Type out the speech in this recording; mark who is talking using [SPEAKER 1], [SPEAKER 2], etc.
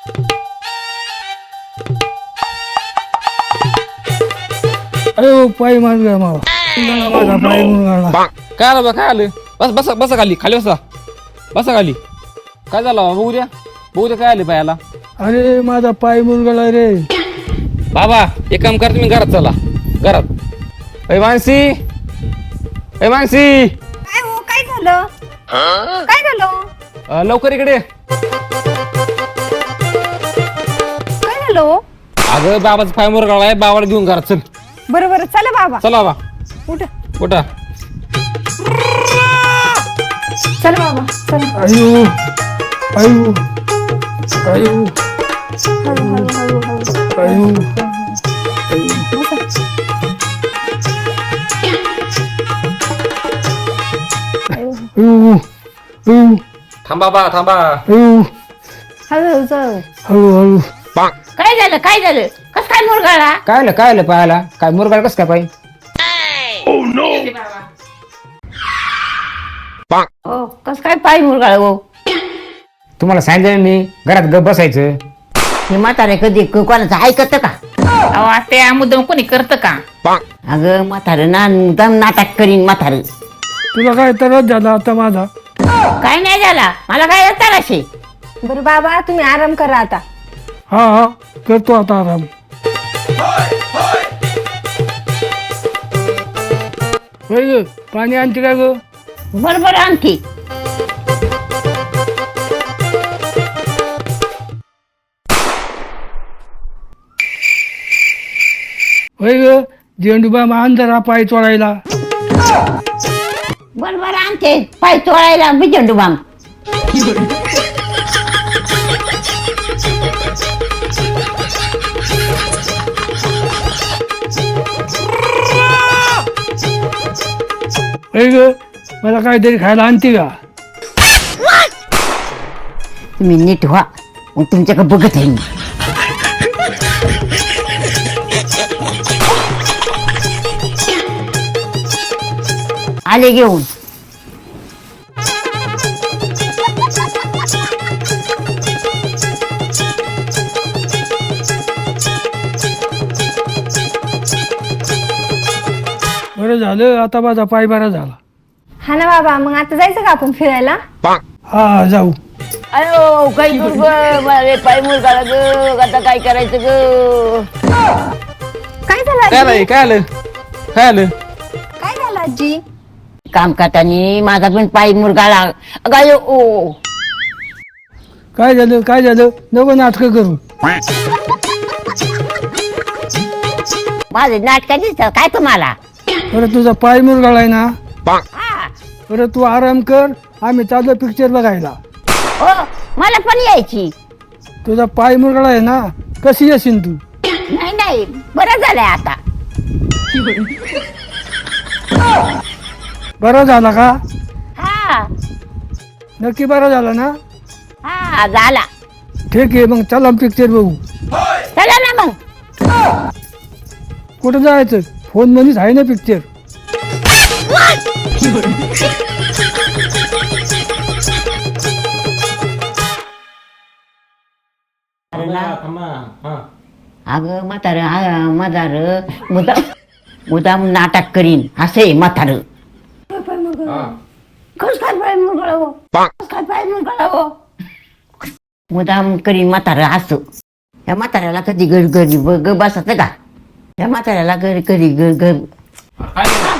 [SPEAKER 1] अरे पाय मार गया माझा पाय मुरगाळला.
[SPEAKER 2] काय आलं बा, काय आलं? बस बसा बसा खाली, खाली बसा, बसा खाली. काय झालं बा? बघू द्या, बघू द्या काय आले पायाला.
[SPEAKER 1] अरे माझा पाय मुरगाळला रे.
[SPEAKER 2] बाबा एक काम करा, तुम्ही घरात चला, घरात. ए मानसी, ए मानसी,
[SPEAKER 3] काय हो, काय झालं? काय झालं?
[SPEAKER 2] लवकर इकडे ये.
[SPEAKER 3] काय झालं हो?
[SPEAKER 2] अगं बाबाचा पाय मुरगाळा आहे, बाबाला घेऊन घरात चल.
[SPEAKER 3] बरं बरं, चला बाबा.
[SPEAKER 2] चला बा,
[SPEAKER 3] उठ.
[SPEAKER 2] उठा.
[SPEAKER 3] चल बाबा, चल.
[SPEAKER 1] अयो अयो अयो
[SPEAKER 3] हळू हळू हळू हळू.
[SPEAKER 1] अयो अयो अयो
[SPEAKER 2] थांबा बा, थांबा.
[SPEAKER 1] अयो
[SPEAKER 3] हळू हळू चल.
[SPEAKER 1] हळूहळू.
[SPEAKER 3] काय झालं, काय झालं? कस काय मुरगाळा?
[SPEAKER 2] काय आलं पायाला? काय मुरगाळ कसं काय पाय?
[SPEAKER 3] हो, कस काय पाय मुरगाळ हो?
[SPEAKER 2] तुम्हाला सांगितलं मी घरात गप बसायचं.
[SPEAKER 4] हे म्हातारे कधी कोणाचं ऐकत का?
[SPEAKER 3] अहो ते मुद्दाम कोणी करतं का?
[SPEAKER 4] अगं म्हातारं ना मुद्दाम नाटक करीन म्हातारं.
[SPEAKER 1] तुला काय त्रास झाला आता माझा?
[SPEAKER 4] काय नाही झाला मला, काय तराशे.
[SPEAKER 3] बरं बाबा, तुम्ही आराम करा आता.
[SPEAKER 1] हा हा करतो आता आराम. होय ग, पाणी आणते का ग?
[SPEAKER 4] बरोबर आणखी.
[SPEAKER 1] होय ग, झेंडूबा मान जरा पाय चोळायला.
[SPEAKER 4] बरोबर आणते पाय चोळायला बी झेंडूबाम.
[SPEAKER 1] होय ग, मला काहीतरी खायला आणते का?
[SPEAKER 4] तुम्ही नीट व्हा, मग तुमच्याकडे बघत आहे मी. आले घेऊन.
[SPEAKER 1] बरं झालं, आता माझा पाय बरा झाला.
[SPEAKER 3] हा ना बाबा, मग आता जायचं का आपण फिरायला?
[SPEAKER 1] हा जाऊ.
[SPEAKER 4] अयो काही दूर ग, पाय मुरगाळा ग, आता काय करायचं ग?
[SPEAKER 3] काय झालं
[SPEAKER 2] काय
[SPEAKER 3] आजी?
[SPEAKER 2] आलं? काय आलं? काय आलं?
[SPEAKER 3] काय झालं आजी?
[SPEAKER 4] काम करताना माझा पण पाय मुरगाळा. गाय ओ.
[SPEAKER 1] काय झालं काय झालं? नको नाटकं करू.
[SPEAKER 4] माझे नाटक दिसतात काय तुम्हाला?
[SPEAKER 1] बरं तुझा पाय मुरगाळाय ना,
[SPEAKER 4] हा.
[SPEAKER 1] बरं तू आराम कर, आम्ही चाललो पिक्चर बघायला.
[SPEAKER 4] हो, मला पण यायची.
[SPEAKER 1] तुझा पाय मुरगाळा आहे ना, कशी येशील तू?
[SPEAKER 4] नाही नाही, बरं झालंय आता.
[SPEAKER 1] बरा झाला का?
[SPEAKER 4] हा
[SPEAKER 1] नक्की बरा झाला ना?
[SPEAKER 4] हा झाला.
[SPEAKER 1] ठीक आहे, मग चला पिक्चर बघू.
[SPEAKER 4] चला ना मग.
[SPEAKER 1] कुठं जायचं? फोन मध्येच आहे ना पिक्चर.
[SPEAKER 4] अगं म्हातार म्हातार मुदाम मुदाम नाटक करीन असे म्हातार. कस काय पाय मुरगळावं, कस काय पाय मुरगळावं, मुदाम करीन म्हातार असं. या म्हाताऱ्याला कधी घरी घरी ग बसत का? या म्हाताऱ्याला घरी घरी घर